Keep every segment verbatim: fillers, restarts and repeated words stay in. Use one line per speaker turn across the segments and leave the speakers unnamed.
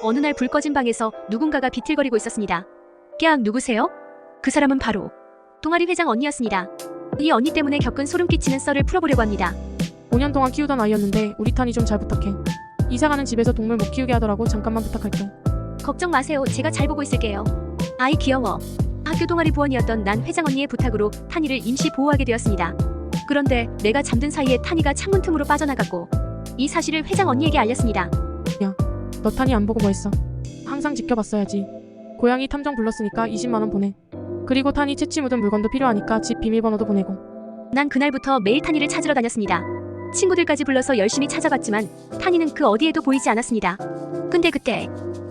어느 날 불 꺼진 방에서 누군가가 비틀거리고 있었습니다. 깨악 누구세요? 그 사람은 바로 동아리 회장 언니였습니다. 이 언니 때문에 겪은 소름 끼치는 썰을 풀어보려고 합니다.
오 년 동안 키우던 아이였는데 우리 탄이 좀 잘 부탁해. 이사가는 집에서 동물 못 키우게 하더라고. 잠깐만 부탁할게.
걱정 마세요. 제가 잘 보고 있을게요. 아이 귀여워. 학교 동아리 부원이었던 난 회장 언니의 부탁으로 탄이를 임시 보호하게 되었습니다. 그런데 내가 잠든 사이에 탄이가 창문 틈으로 빠져나갔고 이 사실을 회장 언니에게 알렸습니다.
너 탄이 안 보고 뭐 했어? 항상 지켜봤어야지. 고양이 탐정 불렀으니까 이십만 원 보내. 그리고 탄이 채취 묻은 물건도 필요하니까 집 비밀번호도 보내고.
난 그날부터 매일 탄이를 찾으러 다녔습니다. 친구들까지 불러서 열심히 찾아봤지만 탄이는 그 어디에도 보이지 않았습니다. 근데 그때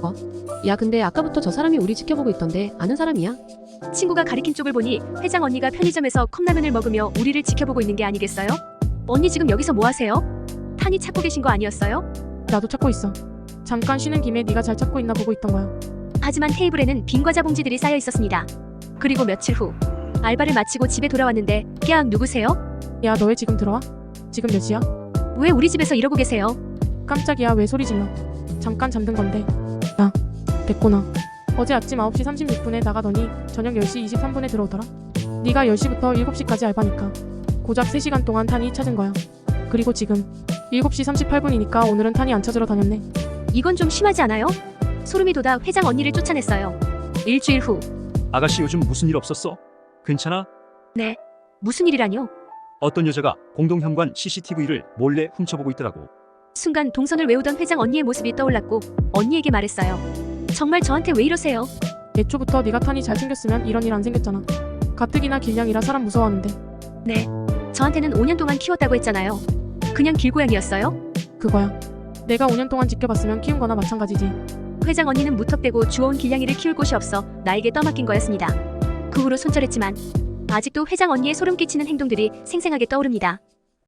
야, 근데 아까부터 저 사람이 우리 지켜보고 있던데 아는 사람이야?
친구가 가리킨 쪽을 보니 회장 언니가 편의점에서 컵라면을 먹으며 우리를 지켜보고 있는 게 아니겠어요? 언니 지금 여기서 뭐 하세요? 탄이 찾고 계신 거 아니었어요?
나도 찾고 있어. 잠깐 쉬는 김에 네가 잘 찾고 있나 보고 있던 거야.
하지만 테이블에는 빈 과자 봉지들이 쌓여 있었습니다. 그리고 며칠 후 알바를 마치고 집에 돌아왔는데 깨악 누구세요?
야, 너 왜 지금 들어와? 지금 몇 시야?
왜 우리 집에서 이러고 계세요?
깜짝이야, 왜 소리 질러. 잠깐 잠든 건데. 야, 됐구나. 어제 아침 아홉 시 삼십육 분에 나가더니 저녁 열 시 이십삼 분에 들어오더라. 네가 열 시부터 일곱 시까지 알바니까 고작 세 시간 동안 탄이 찾은 거야. 그리고 지금 일곱 시 삼십팔 분이니까 오늘은 탄이 안 찾으러 다녔네.
이건 좀 심하지 않아요? 소름이 돋아 회장 언니를 쫓아냈어요. 일주일 후
아가씨 요즘 무슨 일 없었어? 괜찮아?
네. 무슨 일이라뇨?
어떤 여자가 공동현관 씨씨티비를 몰래 훔쳐보고 있더라고.
순간 동선을 외우던 회장 언니의 모습이 떠올랐고 언니에게 말했어요. 정말 저한테 왜 이러세요?
애초부터 네가 탄이 잘생겼으면 이런 일 안 생겼잖아. 가뜩이나 길냥이라 사람 무서워하는데.
네. 저한테는 오 년 동안 키웠다고 했잖아요. 그냥 길고양이였어요?
그거야. 내가 오 년 동안 지켜봤으면 키운 거나 마찬가지지.
회장 언니는 무턱대고 주워온 길냥이를 키울 곳이 없어 나에게 떠맡긴 거였습니다. 그 후로 손절했지만 아직도 회장 언니의 소름 끼치는 행동들이 생생하게 떠오릅니다.